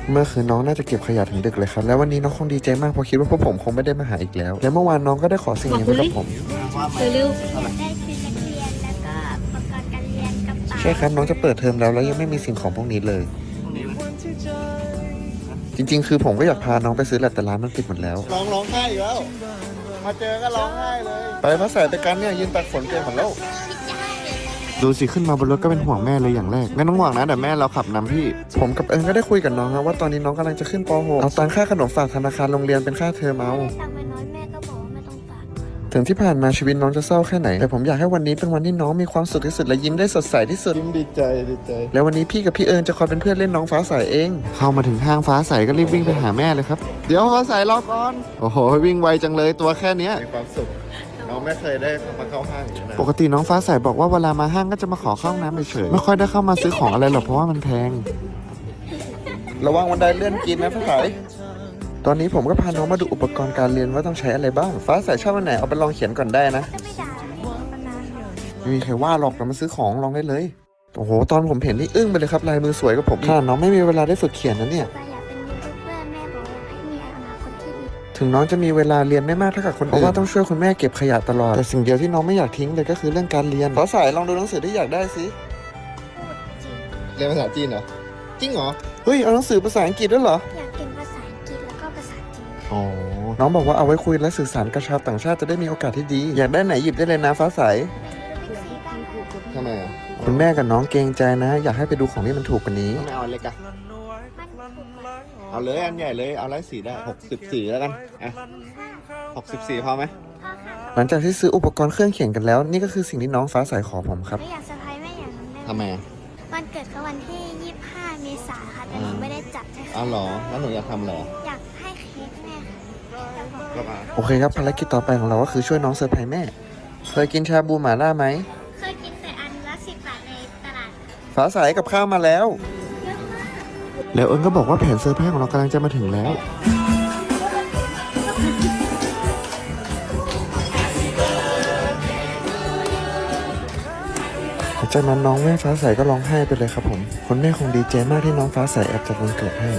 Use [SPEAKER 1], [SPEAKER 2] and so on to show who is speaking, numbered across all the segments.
[SPEAKER 1] เมื่อคืนน้องน่าจะเก็บขยะถึงดึกเลยครับแล้ววันนี้น้องคงดีใจมากเพราะคิดว่าพวกผมคงไม่ได้มาหาอีกแล้วและเมื่อวานน้องก็ได้ขอสิ่งนี้ไว้กับผม
[SPEAKER 2] เร็ว
[SPEAKER 3] ได้ชุดนักเรียนแล้วก็อุปกรณ์การเรียนกระเป๋า
[SPEAKER 1] ใช่ครับน้องจะเปิดเทอมแล้วยังไม่มีสิ่งของพวกนี้เลย จริงๆ คือผมก็อยากพาน้องไปซื้อแหละแต่ร้านมันปิดหมดแล้ว
[SPEAKER 4] ร้องไห้อีกแล้ว มาเจอก็ร้องไห้เลย
[SPEAKER 1] ไปพระสายไปกันเนี่ยยืนตากฝนเกยหมดแล้วดูสิขึ้นมาบนรถก็เป็นห่วงแม่เลยอย่างแรกไม่ต้องห่วงนะเดี๋ยวแม่เราขับนำพี่ผมกับเอิญก็ได้คุยกับน้องนะว่าตอนนี้น้องกำลังจะขึ้นป .6 เอาตังค่าขนมฝากธนาคารโรงเรียนเป็นค่าเทอมเอา
[SPEAKER 3] ได้ตังค์ไปน้อยแม่ก็บอกว่าไม่ต้องฝาก
[SPEAKER 1] ถึงที่ผ่านมาชีวิตน้องจะเศร้าแค่ไหนแต่ผมอยากให้วันนี้เป็นวันที่น้องมีความสุขที่สุดและยิ้มได้สดใสที่สุด
[SPEAKER 4] ยิ้มดีใจ
[SPEAKER 1] แล้ววันนี้พี่กับพี่เอิญจะคอยเป็นเพื่อนเล่นน้องฟ้าใสเอง เข้ามาถึงห้างฟ้าใสก็รีบวิ่งไปหาแม่เลยครับเดี๋ยวฟ้าใสรอก่อนโอ้โหวิ่งไวจังเลยตัวแค่เนี้ย
[SPEAKER 4] มีความสุข น้องไม่เคยได้มาเข้าห้างอย่างนี้นะ
[SPEAKER 1] ปกติน้องฟ้าใสบอกว่าเวลามาห้างก็จะมาขอเข้าห้องน้ำเฉยๆไม่ค่อยได้เข้ามาซื้อของอะไรหรอกเพราะว่ามันแพงระวังวันไดเลื่อนกินนะฟ้าใสตอนนี้ผมก็พาน้องมาดูอุปกรณ์การเรียนว่าต้องใช้อะไรบ้างฟ้าใสชอบอันไหนเอาไปลองเขียนก่อนได้นะ
[SPEAKER 3] จะไม่ด่าไม่ด่าเขา
[SPEAKER 1] ไม่มีใครว่าหรอกเรามาซื้อของลองได้เลยโอ้โหตอนผมเห็นนี่อึ้งไปเลยครับลายมือสวยกับผมขนาดน้องไม่มีเวลาได้ฝึกเขียนนะเนี่ย
[SPEAKER 3] แต่อยากเป็นยูทูบเบอร์แม่บอกว่าให้มีอนาคตที่ดี
[SPEAKER 1] ถึงน้องจะมีเวลาเรียนไม่มากเท่ากับคนอื่นเพราะว่าต้องช่วยคุณแม่เก็บขยะตลอดแต่สิ่งเดียวที่น้องไม่อยากทิ้งเลยก็คือเรื่องการเรียนฟ้าใสลองดูหนังสือที่อยากได้สิ
[SPEAKER 4] เรียนภาษาจีนเหรอ จริงเหรอ
[SPEAKER 1] เฮ้ยเอาหนังสือภาษาอังกฤษด้วยเหรอ
[SPEAKER 3] อยากเก่งภาษาอังกฤษแล้วก็ภาษาจีน
[SPEAKER 1] อ๋อน้องบอกว่าเอาไว้คุยและสื่อสารกับชาวต่างชาติจะได้มีโอกาสที่ดีอยากได้ไหนหยิบได้เลยนะฟ้าใส
[SPEAKER 3] เป็นสีบ้าง
[SPEAKER 4] ทำไมอ่ะ
[SPEAKER 1] คุณแม่กับน้องเกรงใจนะ อยากให้ไปดูของที่มันถูกกว่านี้
[SPEAKER 4] ทำไมเอาอันเล็กอะ
[SPEAKER 3] มันถูกกว่า
[SPEAKER 4] เอาเลยอันใหญ่เลย เอา104ได้64แล้วกัน อ่ะ64พอไหม
[SPEAKER 3] พ่อค่ะ
[SPEAKER 1] หลังจากที่ซื้ออุปกรณ์เครื่องเขียนกันแล้ว นี่ก็คือสิ่งที่น้องฟ้าใสขอผมครับ
[SPEAKER 3] ไม่อยากเซอร์ไพรส์แม่อย่างนั้นได้
[SPEAKER 4] ทำไมอ่ะ
[SPEAKER 3] วันเกิดเขาวันที่ 25 เมษายนค่ะแต่หนูไม่ได้จัดให้
[SPEAKER 4] อ๋อเหรอ แล้วหนูอยากทำอะไรอ่ะ
[SPEAKER 3] อยากให้เค้กแม่ค่ะแต่บอก
[SPEAKER 4] ก็มา
[SPEAKER 1] โอเคครับภารกิจต่อไปของเราก็คือช่วยน้องเซอร์ไพรส์แม่ เคยกินชาบูหม่าล่าไหม
[SPEAKER 3] เคยกินแต่อันละ10 บาทในตลาด
[SPEAKER 1] ฟ้าใสกับข้าวมาแล้ว
[SPEAKER 3] เยอะมาก
[SPEAKER 1] แล้วเอิญก็บอกว่าแผนเซอร์ไพรส์ของเรากำลังจะมาถึงแล้ว จากนั้นน้องแม่ฟ้าใสก็ร้องไห้ไปเลยครับผมคุณแม่คงดีใจมากที่น้องฟ้าใสแอบจัดวันเกิดให้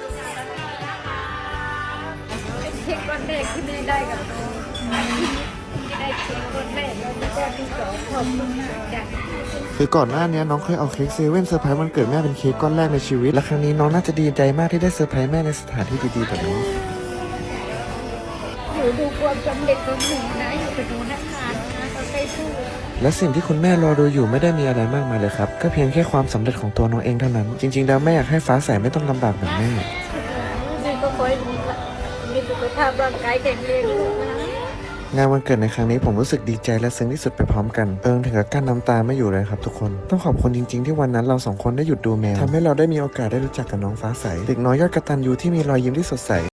[SPEAKER 2] เค้กก้อนแรกที่ได้ได้กับน้องที่ได้เค้กก้อนแรกแล้วก็ก้อนที่สองขอบคุณมากจ้ะ
[SPEAKER 1] คือก่อนหน้านี้น้องเคยเอาเค้กเซเว่นเซอร์ไพรส์วันเกิดแม่เป็นเค้กก้อนแรกในชีวิต และครั้งนี้น้องน่าจะดีใจมากที่ได้เซอร์ไพรส์แม่ในสถานที่ดีๆแบบนี้
[SPEAKER 2] หนูดูความสำเร็จของหนูนะอยู่กับหนูนะคะเราใช้สู้
[SPEAKER 1] และสิ่งที่คุณแม่รอดูอยู่ไม่ได้มีอะไรมากมายเลยครับก็เพียงแค่ความสำเร็จของตัวน้องเองเท่านั้นจริงๆแล้วแม่อยากให้ฟ้าใสไม่ต้องลำบากแบบแม่
[SPEAKER 2] นี่ก็คอยดูละมีสุขภาพร่างกายแข็งแรงลูกนะ
[SPEAKER 1] งานวันเกิดในครั้งนี้ผมรู้สึกดีใจและซึ้งที่สุดไปพร้อมกันเอิงถึงกับกั้นน้ำตาไม่อยู่เลยครับทุกคนต้องขอบคุณจริงๆที่วันนั้นเราสองคนได้หยุดดูแมวทำให้เราได้มีโอกาสได้รู้จักกับน้องฟ้าใสเด็กน้อยยอดกตัญญูที่มีรอยยิ้มที่สดใส